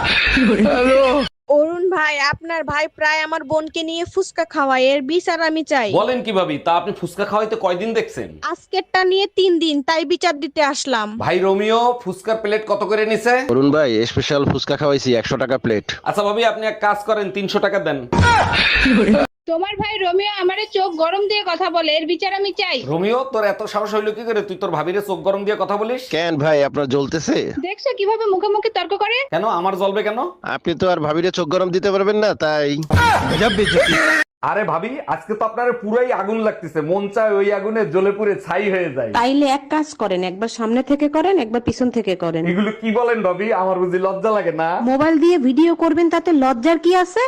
Speaker 8: অরুণ ভাই, আপনার ভাই প্রায় আমার বোনকে নিয়ে ফুসকা খাওয়ায়, এর বিচার আমি চাই।
Speaker 1: বলেন কি ভাবি, তা আপনি ফুচকা খাওয়াইতে কয়দিন দেখছেন?
Speaker 8: আজকেরটা নিয়ে তিন দিন, তাই বিচার দিতে আসলাম।
Speaker 1: ভাই রোমিও, ফুচকার প্লেট কত করে নিছে?
Speaker 12: অরুণ ভাই স্পেশাল ফুচকা খাওয়াইছি একশো টাকা প্লেট।
Speaker 1: আচ্ছা ভাবি, আপনি এক কাজ করেন, তিনশো টাকা দেন।
Speaker 2: তোমার ভাই রোমিও আমারে চোখ গরম দিয়ে কথা বলে, এর বিচার আমি চাই।
Speaker 1: রোমিও, তোর এত সাহস হইলো কি করে তুই তোর ভাবিরে চোখ গরম দিয়ে কথা বলিস?
Speaker 12: কেন ভাই, আপনার জ্বলতেছে?
Speaker 2: দেখছো কিভাবে মুখে মুখে তর্ক করে?
Speaker 1: কেন আমার জ্বলবে কেন?
Speaker 12: আপনি তো আর ভাবিরে চোখ গরম দিতে পারবেন না, তাই।
Speaker 1: আরে ভাবি, আজকে তো আপনার পুরাই আগুন লাগতেছে, মন চায় ওই আগুনে জ্বলে পুড়ে ছাই হয়ে যায়।
Speaker 2: তাইলে এক কাজ করেন, একবার সামনে থেকে করেন, একবার পিছন থেকে করেন।
Speaker 1: এগুলো কি বলেন ভাবি, আমার বুঝি লজ্জা লাগে না?
Speaker 2: মোবাইল দিয়ে ভিডিও করবেন, তাতে লজ্জার কি আছে?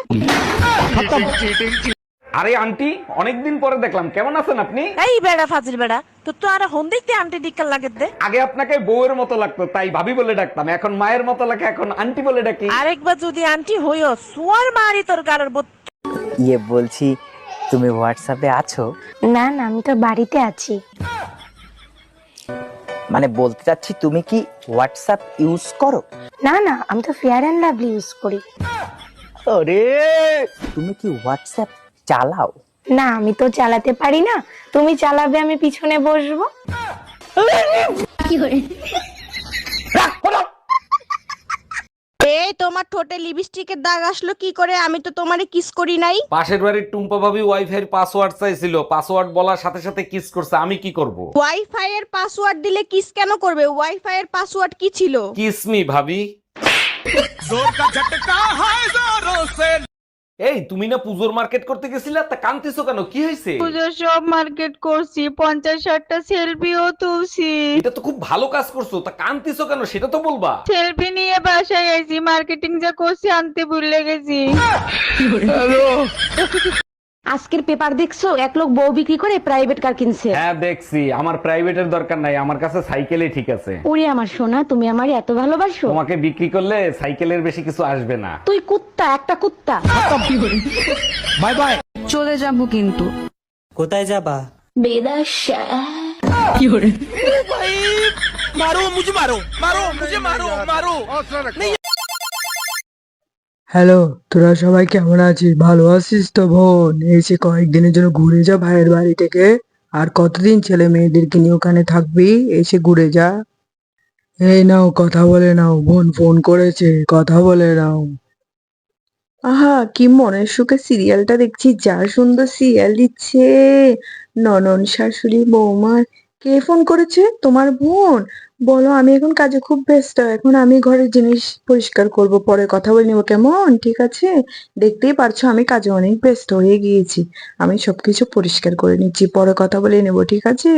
Speaker 1: আরে আন্টি, অনেকদিন পরে দেখলাম, কেমন আছেন আপনি?
Speaker 8: এই বেড়া ফাজিল বেড়া, তো তো আর হন দেখতে আন্টি ডিক্কার লাগে দে।
Speaker 1: আগে আপনাকে বউয়ের মতো লাগতো, তাই ভাবি বলে ডাকতাম, এখন মায়ের মতো লাগে, এখন আন্টি বলে ডাকি।
Speaker 8: আরেকবার যদি আন্টি হইও, সোয়ার মারি তোর গালের বোত।
Speaker 3: ইয়ে বলছি, তুমি হোয়াটসঅ্যাপে আছো?
Speaker 9: না না, আমি তো বাড়িতে আছি।
Speaker 3: মানে বলতে চাচ্ছি, তুমি কি হোয়াটসঅ্যাপ ইউজ করো?
Speaker 9: না না, আমি তো ফেয়ার অ্যান্ড লাভলি ইউজ করি।
Speaker 3: আরে, তুমি কি হোয়াটসঅ্যাপ চালাও?
Speaker 9: না, আমি তো চালাতে পারি না। তুমি চালাবে, আমি পিছনে বসবো।
Speaker 8: এই তোমার ঠোঁটে লিপস্টিকের দাগ আসলো কি করে? আমি তো তোমারে কিস করি নাই।
Speaker 1: পাশের বাড়ির টুম্পা ভাবি ওয়াইফাই পাসওয়ার্ড চাইছিল, পাসওয়ার্ড বলার সাথে সাথে কিস করছে, আমি কি করব?
Speaker 8: ওয়াইফাই এর পাসওয়ার্ড দিলে কিস কেন করবে? ওয়াইফাই এর পাসওয়ার্ড কি ছিল?
Speaker 1: কিস মি ভাবি। এই তুমি না পুজোর মার্কেট করতে গেছিলা, তা কান্তিছো কেন, কি হয়েছে?
Speaker 8: পুজোর সব মার্কেট করছি, পঞ্চাশ ষাটটা সেলফিও তুলছি।
Speaker 1: এটা তো খুব ভালো কাজ করছো, তা কান্তিছো কেন সেটা তো বলবা।
Speaker 8: সেলফি নিয়ে বাসায় গেছি, মার্কেটিং যা করছি আনতে ভুলে গেছি।
Speaker 2: আজকের পেপার দেখছো, এক লোক বউ বিক্রি করে প্রাইভেট কার কিনছে।
Speaker 1: হ্যাঁ দেখছি, আমার প্রাইভেটের দরকার নাই, আমার কাছে সাইকেলই ঠিক আছে।
Speaker 2: ওরে আমার সোনা, তুমি আমার এত ভালোবাসো।
Speaker 1: তোমাকে বিক্রি করলে সাইকেলের বেশি কিছু আসবে না।
Speaker 2: তুই কুত্তা, একটা কুত্তা।
Speaker 11: Bye bye.
Speaker 8: চলে যাবো কিন্তু।
Speaker 3: কোথায় যাবা?
Speaker 9: বেদাশা।
Speaker 5: হ্যালো, তোরা সবাই কেমন আছিস? ভালো আছিস তো বোন? এসে কয়েকদিনের জন্য ঘুরে যা ভাইয়ের বাড়ি থেকে। আর কতদিন ছেলে মেয়েদেরকে নিয়ে ওখানে থাকবি? এসে ঘুরে যা। এই নাও, কথা বলে নাও, বোন ফোন করেছে, কথা বলে নাও। আহা, কি মনের সুখে সিরিয়ালটা দেখছি, যা সুন্দর সিরিয়াল দিচ্ছে। ননন শাশুড়ি বৌমার। কে ফোন করেছে? তোমার বোন? বলো, আমি এখন কাজে খুব ব্যস্ত, এখন আমি ঘরের জিনিস পরিষ্কার করব, পরে কথা বলে নিবো, কেমন? ঠিক আছে? দেখতেই পারছো আমি কাজে অনেক ব্যস্ত হয়ে গিয়েছি, আমি সবকিছু পরিষ্কার করে নিচ্ছি, পরে কথা বলে নেবো, ঠিক আছে?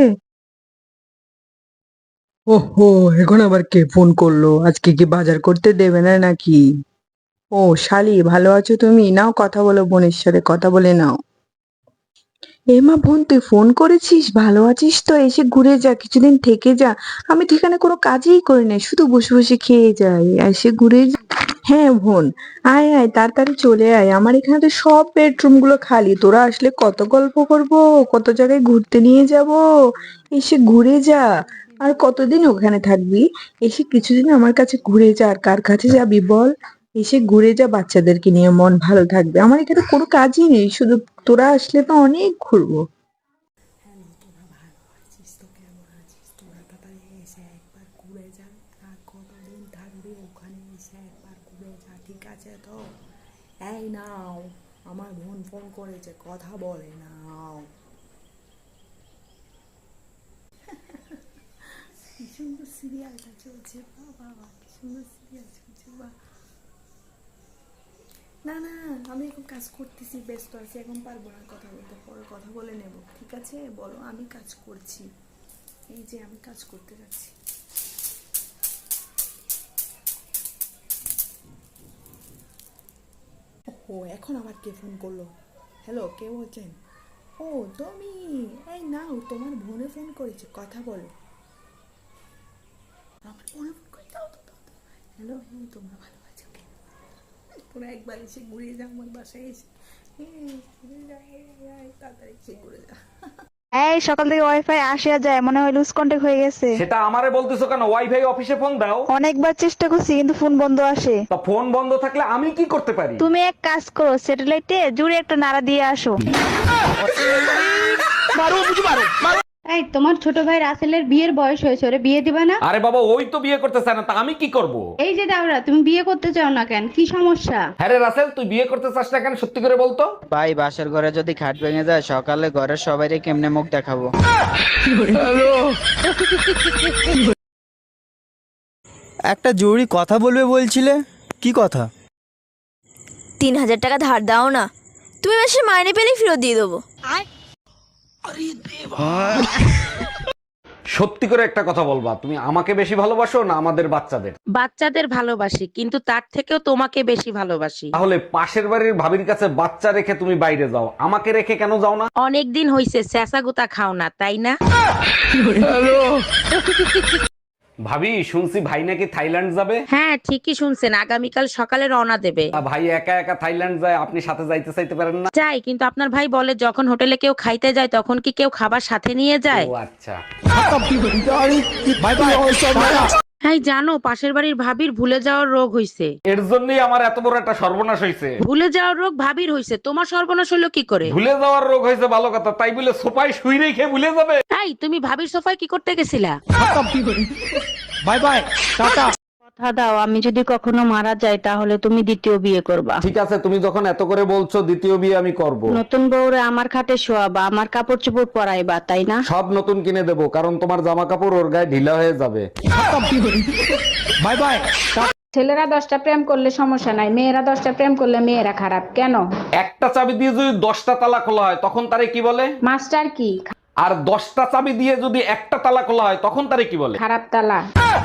Speaker 5: ওহো, এখন আবার কে ফোন করলো? আজকে কি বাজার করতে দেবে না নাকি? ও শালি, ভালো আছো তুমি? নাও কথা বলো, বোনের সাথে কথা বলে নাও। এ মা, বোন তুই ফোন করেছিস? ভালো আছিস তো? এসে ঘুরে যা, কিছুদিন থেকে যা। আমি তো এখানে কোনো কাজই করি না, শুধু বসে বসে খেয়ে যাই, এসে ঘুরে যা। হ্যাঁ বোন, আয় আয়, তাড়াতাড়ি চলে আয়, আমার এখানে তো সব বেডরুম গুলো খালি, তোরা আসলে কত গল্প করব, কত জায়গায় ঘুরতে নিয়ে যাব, এসে ঘুরে যা। আর কতদিন ওখানে থাকবি? এসে কিছুদিন আমার কাছে ঘুরে যা। আর কার কাছে যাবি বল? এসে ঘুরে যা, বাচ্চাদেরকে নিয়ে মন ভালো থাকবে। আমার এখানে কোনো কাজই নেই, শুধু তোরা আসলে তো অনেক ঘুরবো। আছে তো? এই নাও, আমার বোন ফোন করেছে, কথা বলে নাও। কি সুন্দর সিরিয়ালটা চলছে, বাবা বাবা, কি সুন্দর সিরিয়াল চলছে, বা। না না, আমি এখন কাজ করতেছি, ব্যস্ত আছি, এখন পারবো না কথা বলতে, পরে কথা বলে নেব, ঠিক আছে? বলো, আমি কাজ করছি, এই যে আমি কাজ করতে যাচ্ছি। ও এখন আবার কে ফোন করলো? হ্যালো, কে বলছেন? ও তুমি, এই নাও, তোমার বোনে ফোন করেছে, কথা বলো। আমার বোনে ফোন করে, দাও তো, দাও তো। হ্যালো, হ্যাঁ, তোমরা ভালো আছো? তোমরা একবার এসে ঘুরে যাও আমার বাসায় এসে, তাড়াতাড়ি এসে ঘুরে যা।
Speaker 8: এই সকাল থেকে ওয়াইফাই আসে আর যায়, মনে হয় লুজ কন্টাক্ট হয়ে গেছে।
Speaker 1: সেটা আমারে বলতেছো কেন? ওয়াইফাই অফিসে ফোন দাও।
Speaker 8: অনেকবার চেষ্টা করছি কিন্তু ফোন বন্ধ আসে।
Speaker 1: তা ফোন বন্ধ থাকলে আমি কি করতে পারি?
Speaker 8: তুমি এক কাজ করো, স্যাটেলাইটে জুড়ে একটা নাড়া দিয়ে আসো।
Speaker 2: এই তোমার ছোট ভাই রাসেলের বিয়ের বয়স হয়েছে, ওরে বিয়ে দিবা না?
Speaker 1: আরে বাবা, ওই তো বিয়ে করতে চায় না, তা আমি কি করব?
Speaker 2: এই যে দাওরা, তুমি বিয়ে করতে চাও না কেন? কি সমস্যা?
Speaker 1: হ্যাঁ রে রাসেল, তুই বিয়ে করতে চাস না কেন? সত্যি করে বলতো।
Speaker 3: ভাই বাসার ঘরে যদি খাট ভেঙে যায়, সকালে ঘরের সবাইকে কেমনে মুখ দেখাবো?
Speaker 11: একটা জরুরি কথা বলবে বলছিলে, কি কথা?
Speaker 8: তিন হাজার টাকা ধার দাও না, তুমি মাসে মাইনে পেলে ফেরত দিয়ে দেবো।
Speaker 1: সত্যি করে একটা কথা বলবা, তুমি আমাকে বেশি ভালোবাসো না আমাদের বাচ্চাদের?
Speaker 4: বাচ্চাদের ভালোবাসি, কিন্তু তার থেকেও তোমাকে বেশি ভালোবাসি।
Speaker 1: তাহলে পাশের বাড়ির ভাবির কাছে বাচ্চা রেখে তুমি বাইরে যাও, আমাকে রেখে কেন যাও না?
Speaker 4: অনেক দিন হইছে চেঁচা গুতা খাও না, তাই না?
Speaker 1: ভাবি, শুনছি ভাই নাকি থাইল্যান্ড যাবে।
Speaker 4: হ্যাঁ ঠিকই শুনছেন, আগামীকাল সকালে রওনা দেবে।
Speaker 1: তা ভাই একা একা থাইল্যান্ড যায়, আপনি সাথে যাইতে চাইতে পারেন না?
Speaker 4: যাই, কিন্তু আপনার ভাই বলে যখন হোটেলে কেউ খাইতে যায় তখন কি কেউ খাবার সাথে নিয়ে যায়?
Speaker 1: ও আচ্ছা।
Speaker 4: হ্যাঁ জানো, পাশের বাড়ির ভাবির ভুলে যাওয়ার রোগ হইছে।
Speaker 1: এর জন্যই আমার এত বড় একটা সর্বনাশ হয়েছে।
Speaker 4: ভুলে যাওয়ার রোগ ভাবির হইছে, তোমার সর্বনাশ হলো কি করে?
Speaker 1: ভুলে যাওয়ার রোগ হয়েছে ভালো কথা, তাই বলে সোফায় শুই রেখে ভুলে যাবে?
Speaker 4: তাই তুমি ভাবির সোফায় কি করতে গেছিলা?
Speaker 11: Bye bye, tata.
Speaker 2: কথা দাও, আমি যদি কখনো মারা যাই তাহলে তুমি দ্বিতীয় বিয়ে করবা।
Speaker 1: ঠিক আছে, তুমি যখন এত করে বলছো, দ্বিতীয় বিয়ে আমি করব।
Speaker 2: নতুন বউরে আমার খাটে শোয়াবা, আমার কাপড় চোপড় পরাইবা, তাই না?
Speaker 1: সব নতুন কিনে দেবো, কারণ তোমার জামা কাপড় ওর গায়ে ঢিলা হয়ে যাবে।
Speaker 11: Bye bye.
Speaker 2: ছেলেরা দশটা প্রেম করলে সমস্যা নাই, মেয়েরা দশটা প্রেম করলে মেয়েরা খারাপ কেন?
Speaker 1: একটা চাবি দিয়ে যদি দশটা তালা খোলা হয় তখন তারে কি বলে?
Speaker 2: মাস্টার কি?
Speaker 1: আর দশটা চাবি দিয়ে যদি একটা তালা খোলা হয় তখন তারে কি বলে?
Speaker 2: খারাপ তালা।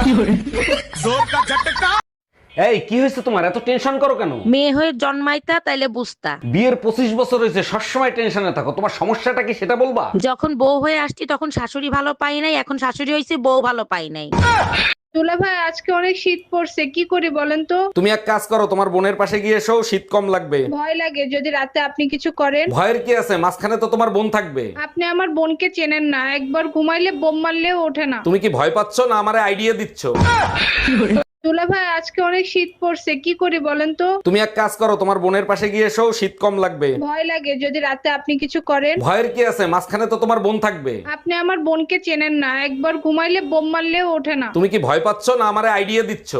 Speaker 1: এই কি হয়েছে তোমার, এত টেনশন করো কেন?
Speaker 4: মেয়ে হয়ে জন্মাইতা তাইলে বুঝতা।
Speaker 1: বিয়ের পঁচিশ বছর হয়েছে, সবসময় টেনশনে থাকো, তোমার সমস্যাটা কি সেটা বলবা?
Speaker 4: যখন বউ হয়ে আসছি তখন শাশুড়ি ভালো পাই নাই, এখন শাশুড়ি হয়েছে বউ ভালো পাই নাই।
Speaker 2: দুলা ভাই, আজকে অনেক শীত পড়ছে, কি করি বলেন তো?
Speaker 1: তুমি এক কাজ করো, তোমার বোনের পাশে গিয়ে এসো, শীত কম লাগবে।
Speaker 2: ভয় লাগে যদি রাতে আপনি কিছু করেন।
Speaker 1: ভয়ের কি আছে, মাঝখানে তো তোমার বোন থাকবে।
Speaker 2: আপনি আমার বোনকে চেনেন না, একবার ঘুমাইলে বোম মারলেও ওঠে না।
Speaker 1: তুমি কি ভয় পাচ্ছ না আমারে আইডিয়া দিচ্ছ?
Speaker 2: দুলা ভাই, আজকে অনেক শীত পড়ছে, কি করি বলেন তো?
Speaker 1: তুমি এক কাজ করো, তোমার বোনের পাশে গিয়ে এসো, শীত কম লাগবে।
Speaker 2: ভয় লাগে যদি রাতে আপনি কিছু করেন।
Speaker 1: ভয়ের কি আছে, মাঝখানে তো তোমার বোন থাকবে।
Speaker 2: আপনি আমার বোনকে চেনেন না, একবার ঘুমাইলে বোম মারলেও ওঠে না।
Speaker 1: তুমি কি ভয় পাচ্ছ না আমারে আইডিয়া দিচ্ছ?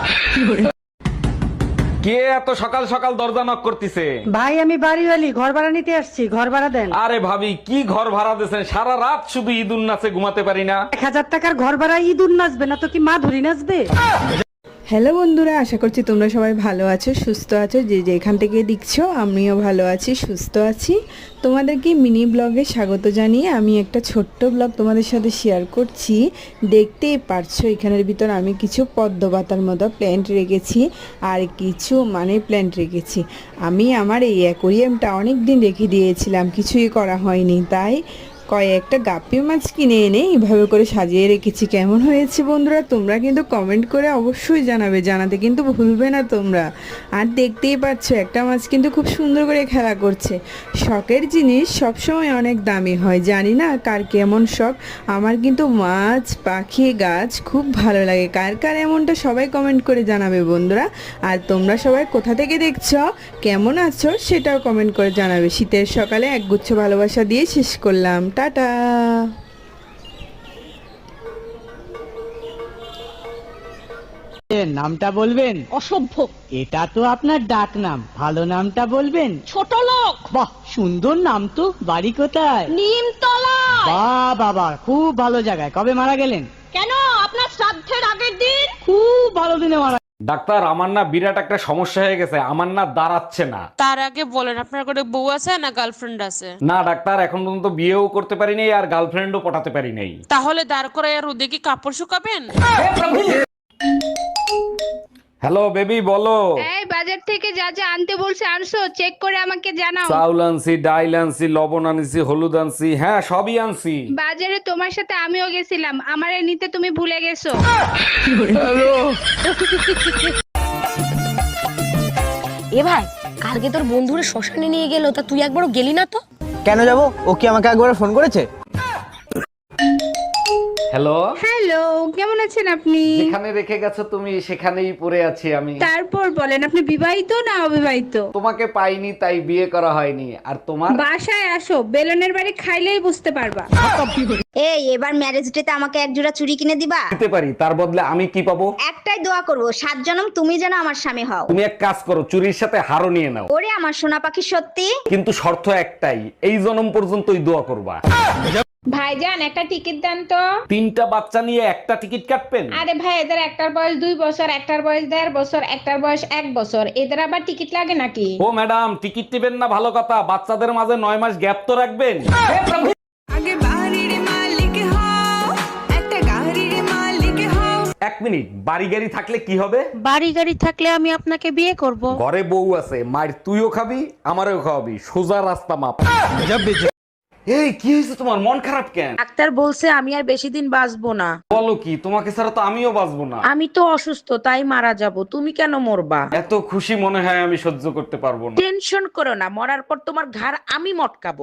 Speaker 1: কে এত সকাল সকাল দরজা নক করতেছে?
Speaker 2: ভাই, আমি বাড়িওয়ালি, ঘর ভাড়া নিতে আসছি, ঘর ভাড়া দেন।
Speaker 1: আরে ভাবি, কি ঘর ভাড়া দিয়েছেন? সারা রাত শুধু ঈদুন নাচে ঘুমাতে পারি না।
Speaker 2: এক হাজার টাকার ঘর ভাড়া ইঁদুর নাচবে না তো কি মা ধরি নাচবে?
Speaker 5: হ্যালো বন্ধুরা, আশা করছি তোমরা সবাই ভালো আছো, সুস্থ আছো, যে যেখান থেকে দেখছো। আমিও ভালো আছি, সুস্থ আছি। তোমাদেরকে মিনি ব্লগে স্বাগত জানিয়ে আমি একটা ছোট্ট ব্লগ তোমাদের সাথে শেয়ার করছি। দেখতেই পারছো এখানের ভিতর আমি কিছু পদ্মপাতার মতো প্ল্যান্ট রেখেছি, আর কিছু মানে প্ল্যান্ট রেখেছি। আমি আমার এই অ্যাকোরিয়ামটা অনেক দিন রেখে দিয়েছিলাম, কিছুই করা হয়নি, তাই কয়েকটা গাপ্পি মাছ কিনে এনে এইভাবে করে সাজিয়ে রেখেছি। কেমন হয়েছে বন্ধুরা, তোমরা কিন্তু কমেন্ট করে অবশ্যই জানাবে, জানাতে কিন্তু ভুলবে না তোমরা। আর দেখতেই পাচ্ছ একটা মাছ কিন্তু খুব সুন্দর করে খেলা করছে। শখের জিনিস সবসময় অনেক দামি হয়, জানি না কার কেমন শখ। আমার কিন্তু মাছ, পাখি, গাছ খুব ভালো লাগে। কার কার এমনটা সবাই কমেন্ট করে জানাবে বন্ধুরা। আর তোমরা সবাই কোথা থেকে দেখছো, কেমন আছো সেটাও কমেন্ট করে জানাবে। শীতের সকালে একগুচ্ছ ভালোবাসা দিয়ে শেষ করলাম, টাটা।
Speaker 3: নামটা বলবেন?
Speaker 8: অসভ্য।
Speaker 3: এটা তো আপনার ডাক নাম, ভালো নামটা বলবেন?
Speaker 8: ছোট লোক।
Speaker 3: বাহ, সুন্দর নাম তো। বাড়ি কোথায়?
Speaker 8: নিমতলা।
Speaker 3: বাহ বাবা, খুব ভালো জায়গায়। কবে মারা গেলেন?
Speaker 8: কেন, আপনার শ্রাদ্ধের আগের দিন।
Speaker 3: খুব ভালো দিনে মারা।
Speaker 1: ডাক্তার, আমার না বিরাট একটা সমস্যা হয়ে গেছে, আমার না দাঁড়াচ্ছে না।
Speaker 4: তার আগে বলেন আপনার কোনো বউ আছে না গার্লফ্রেন্ড আছে?
Speaker 1: না ডাক্তার, এখন পর্যন্ত বিয়েও করতে পারি নাই আর গার্লফ্রেন্ডও পটাতে পারি নাই।
Speaker 4: তাহলে দাঁড় করে রোদে কি কাপড় শুকাবেন?
Speaker 1: হ্যালো বেবি, বলো।
Speaker 2: এই বাজার থেকে যা যা আনতে বলছে আনছো, চেক করে আমাকে জানাও।
Speaker 1: চাউল আনছি, ডাইল আনছি, লবণ আনছি, হলুদ আনছি, হ্যাঁ সবই আনছি।
Speaker 2: বাজারে তোমার সাথে আমিও গেছিলাম, আমারে নিতে তুমি ভুলে গেছো।
Speaker 9: এ ভাই, কালকে তোর বন্ধুরা শ্মশানে নিয়ে গেল, তা তুই একবারও গেলি না তো?
Speaker 11: কেন যাব? ও কি আমাকে একবার ফোন করেছে?
Speaker 1: হ্যালো
Speaker 2: হ্যালো, কেমন আছেন আপনি?
Speaker 1: যেখানে রেখে গেছো তুমি সেখানেই পড়ে আছি আমি।
Speaker 2: তারপর বলেন, আপনি বিবাহিত না অবিবাহিত?
Speaker 1: তোমাকে পাইনি তাই বিয়ে করা হয়নি। আর তোমার?
Speaker 2: বাসায় আসো, বেলনের বাড়ি খাইলেই বুঝতে পারবা।
Speaker 8: এই, এবার ম্যারেজ ডেতে আমাকে এক জোড়া চুড়ি কিনে দিবা?
Speaker 1: দিতে পারি, তার বদলে আমি কি পাবো?
Speaker 8: একটাই দোয়া করব, সাত জনম তুমি যেন আমার স্বামী হও।
Speaker 1: তুমি এক কাজ করো, চুরির সাথে হারও নিয়ে নাও।
Speaker 8: ওরে আমার সোনা পাখি, সত্যি?
Speaker 1: কিন্তু শর্ত একটাই, এই জনম পর্যন্তই দোয়া করবা।
Speaker 2: ভাইজান, একটা টিকিট দেন তো।
Speaker 1: তিনটা বাচ্চা নিয়ে একটা টিকিট কাটবেন?
Speaker 2: আরে ভাই, এদের একটার বয়স দুই বছর, একটার বয়স দেড় বছর, একটার বয়স এক বছর, এদের আবার টিকিট লাগে নাকি?
Speaker 1: ও ম্যাডাম, টিকিট টিবেন না ভালো কথা, বাচ্চাদের মাঝে নয় মাস গ্যাপ তো রাখবেন।
Speaker 5: আগে বাড়ির মালিক হও, একটা গাড়ির মালিক হও।
Speaker 1: এক মিনিট, বাড়ি গাড়ি থাকলে কি হবে?
Speaker 4: বাড়ি গাড়ি থাকলে আমি আপনাকে বিয়ে করব।
Speaker 1: ঘরে বউ আছে, মায়ের তুইও খাবি আমারও খাওয়াবি, সোজা রাস্তা মাপ। এই কি হয়েছে তোমার, মন খারাপ কেন?
Speaker 4: ডাক্তার বলছে আমি আর বেশি দিন বাঁচবো না।
Speaker 1: বলো কি, তোমাকে ছাড়া তো আমিও বাঁচবো না।
Speaker 4: আমি তো অসুস্থ, তাই মারা যাব। তুমি কেন মরবা?
Speaker 1: এত খুশি মনে হয় আমি সহ্য করতে পারবো না।
Speaker 4: টেনশন করো না, মরার পর তোমার ঘাড় আমি মটকাবো।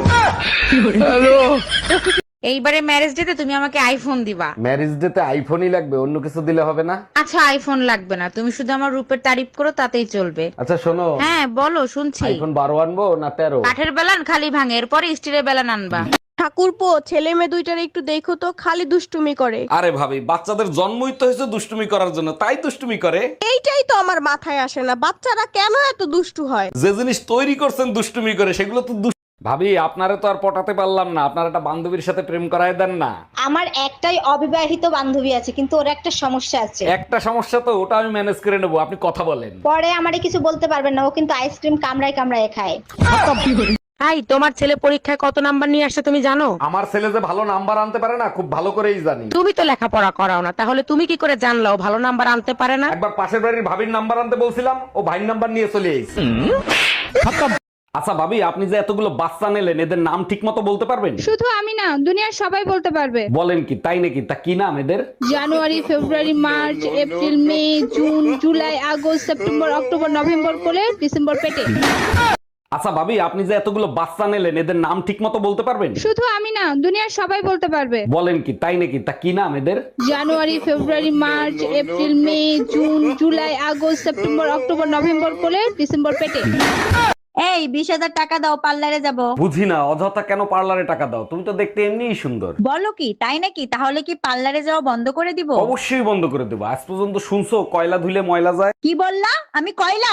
Speaker 4: এইবারে ম্যারেজ ডেতে তুমি আমাকে আইফোন দিবা।
Speaker 1: ম্যারেজ ডেতে আইফোনই লাগবে, অন্য কিছু দিলে হবে না?
Speaker 4: আচ্ছা, আইফোন লাগবে না, তুমি শুধু আমার রূপের তারিফ করো, তাতেই চলবে।
Speaker 1: আচ্ছা শোনো,
Speaker 4: হ্যাঁ বলো, শুনছি।
Speaker 1: আইফোন বারো আনবো না তেরো?
Speaker 4: কাঠের বেলান খালি ভাঙে, এরপরে স্টিলের বেলান আনবা।
Speaker 8: ঠাকুরপো, ছেলে মেয়ে দুইটার একটু দেখো তো, খালি দুষ্টুমি করে।
Speaker 1: আরে ভাবি, বাচ্চাদের জন্মই তো হয়েছে দুষ্টুমি করার জন্য, তাই দুষ্টুমি করে।
Speaker 8: এইটাই তো আমার মাথায় আসে না, বাচ্চারা কেন এত দুষ্টু হয়?
Speaker 1: যে জিনিস তৈরি করছেন দুষ্টুমি করে, সেগুলো তো দুষ্ট- ভাবি, আপনারে তো আর পটাতে পারলাম না, আপনার একটা বান্ধবীর সাথে প্রেম করায় দেন না।
Speaker 8: আমার একটাই অবিবাহিত বান্ধবী আছে, কিন্তু ওর একটা সমস্যা আছে।
Speaker 1: একটা সমস্যা তো, ওটা আমি ম্যানেজ করে নেবো, আপনি কথা বলেন।
Speaker 8: পরে আমারে কিছু বলতে পারবেন না, ও কিন্তু আইসক্রিম কামড়ায় কামড়ায় খায়।
Speaker 4: হাই, তোমার ছেলে পরীক্ষায় কত নাম্বার নিয়ে আসছে তুমি জানো?
Speaker 1: আমার ছেলে যে ভালো নাম্বার আনতে পারে না, খুব ভালো করেই জানি।
Speaker 4: তুমি তো লেখাপড়া করাও না, তাহলে তুমি কি করে জানলা ও ভালো নাম্বার আনতে পারে না?
Speaker 1: একবার পাশের বাড়ির ভাবির নাম্বার আনতে বলছিলাম, ও ভাইয়ের নাম্বার নিয়ে চলে এসেছে। আচ্ছা ভাবি, আপনি যে এতগুলো বাচ্চা নিলেন, এদের নাম ঠিক মতো বলতে পারবেন?
Speaker 2: শুধু আমি না, দুনিয়ার সবাই বলতে পারবে।
Speaker 1: বলেন কি, তাই নাকি? তা কি নাম এদের?
Speaker 2: January, February, March, April, May, June, July, August, September, October, November করে ডিসেম্বর পেটে।
Speaker 1: আচ্ছা ভাবি, আপনি যে এতগুলো বাচ্চা নিলেন, এদের নাম ঠিক মতো বলতে পারবেন?
Speaker 2: শুধু আমি না, দুনিয়ার সবাই বলতে পারবে।
Speaker 1: বলেন কি, তাই নাকি? তা কি নাম এদের?
Speaker 2: January, February, March, April, May, June, July, August, September, October, November করে ডিসেম্বর পেটে।
Speaker 8: এই, বিশ হাজার টাকা দাও, পার্লারে যাব।
Speaker 1: বুঝি না, অযথা কেন পার্লারে টাকা দাও? তুমি তো দেখতে এমনিই সুন্দর।
Speaker 8: বলো কি, তাই নাকি? তাহলে কি পার্লারে যাওয়া বন্ধ করে দিব?
Speaker 1: অবশ্যই বন্ধ করে দেবো। আজ পর্যন্ত শুনছো কয়লা ধুলে ময়লা যায়?
Speaker 8: কি বললা? আমি কয়লা?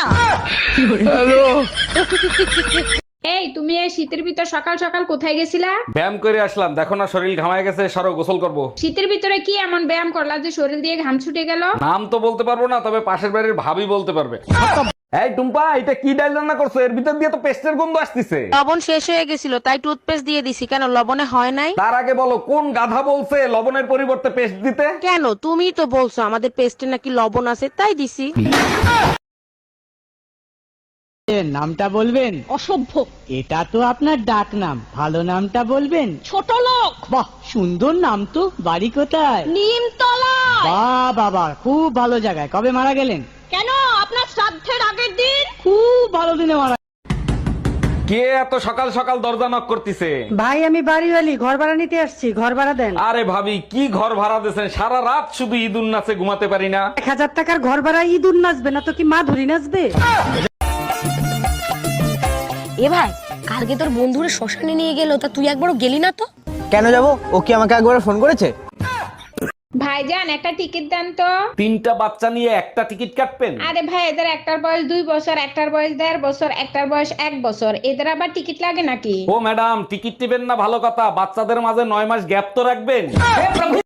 Speaker 2: এই, তুমি এই শীতের ভিতর সকাল সকাল কোথায় গেছিলা?
Speaker 1: ব্যায়াম করে আসলাম, দেখো না শরীর ঘামায় গেছে, সরো গোসল করবো।
Speaker 2: শীতের ভিতরে কি এমন ব্যায়াম করলা যে শরীর দিয়ে ঘাম ছুটে গেল?
Speaker 1: নাম তো বলতে পারবো না, তবে পাশের বাড়ির ভাবি বলতে পারবে। এই টুম্পা, এটা কি ডাল রান্না করছো? এর ভিতর দিয়ে তো পেস্টের গন্ধ আসতেছে।
Speaker 4: লবণ শেষ হয়ে গেছিল, তাই টুথপেস্ট দিয়ে দিছি। কেন, লবণে হয় নাই?
Speaker 1: তার আগে বলো, কোন গাধা বলছে লবণের পরিবর্তে পেস্ট দিতে?
Speaker 4: কেন, তুমি তো বলছো আমাদের পেস্টে নাকি লবণ আছে, তাই দিছি।
Speaker 3: নামটা বলবেন?
Speaker 8: অসভ্য।
Speaker 3: এটা তো আপনার ডাক নাম, ভালো নামটা বলবেন?
Speaker 8: ছোট লোক।
Speaker 3: বাহ, সুন্দর নাম তো। বাড়ি কোথায়?
Speaker 8: নিমতলা।
Speaker 3: বাহ বাবা, খুব ভালো জায়গায়। কবে মারা গেলেন?
Speaker 8: কেন, আপনার শ্রাদ্ধের আগের দিন।
Speaker 3: খুব ভালো দিনে মারা।
Speaker 1: কে এত সকাল সকাল দরজা নক করতেছে?
Speaker 5: ভাই, আমি বাড়িওয়ালি, ঘর ভাড়া নিতে আসছি, ঘর ভাড়া দেন।
Speaker 1: আরে ভাবি, কি ঘর ভাড়া দিয়েছেন? সারা রাত শুধু ঈদুন নাচে ঘুমাতে পারি না।
Speaker 5: এক হাজার টাকার ঘর ভাড়া ইঁদুর নাচবে না তো কি মা ধরি নাচবে?
Speaker 9: এ ভাই, কালকে তোর বন্ধুরা শ্মশানে নিয়ে গেল, তা তুই একবারও গেলি না তো?
Speaker 11: কেন যাব? ও কি আমাকে একবার ফোন করেছে?
Speaker 2: ভাইজান একটা টিকিট দেন তো।
Speaker 1: তিনটা বাচ্চা নিয়ে একটা টিকিট কাটবেন?
Speaker 2: আরে ভাই এদের একটার বয়স দুই বছর, একটার বয়স দেড় বছর, একটার বয়স এক বছর, এদের আবার টিকিট লাগে নাকি?
Speaker 1: ও ম্যাডাম, টিকিট নেবেন না ভালো কথা, বাচ্চাদের মাঝে নয় মাস গ্যাপ তো রাখবেন।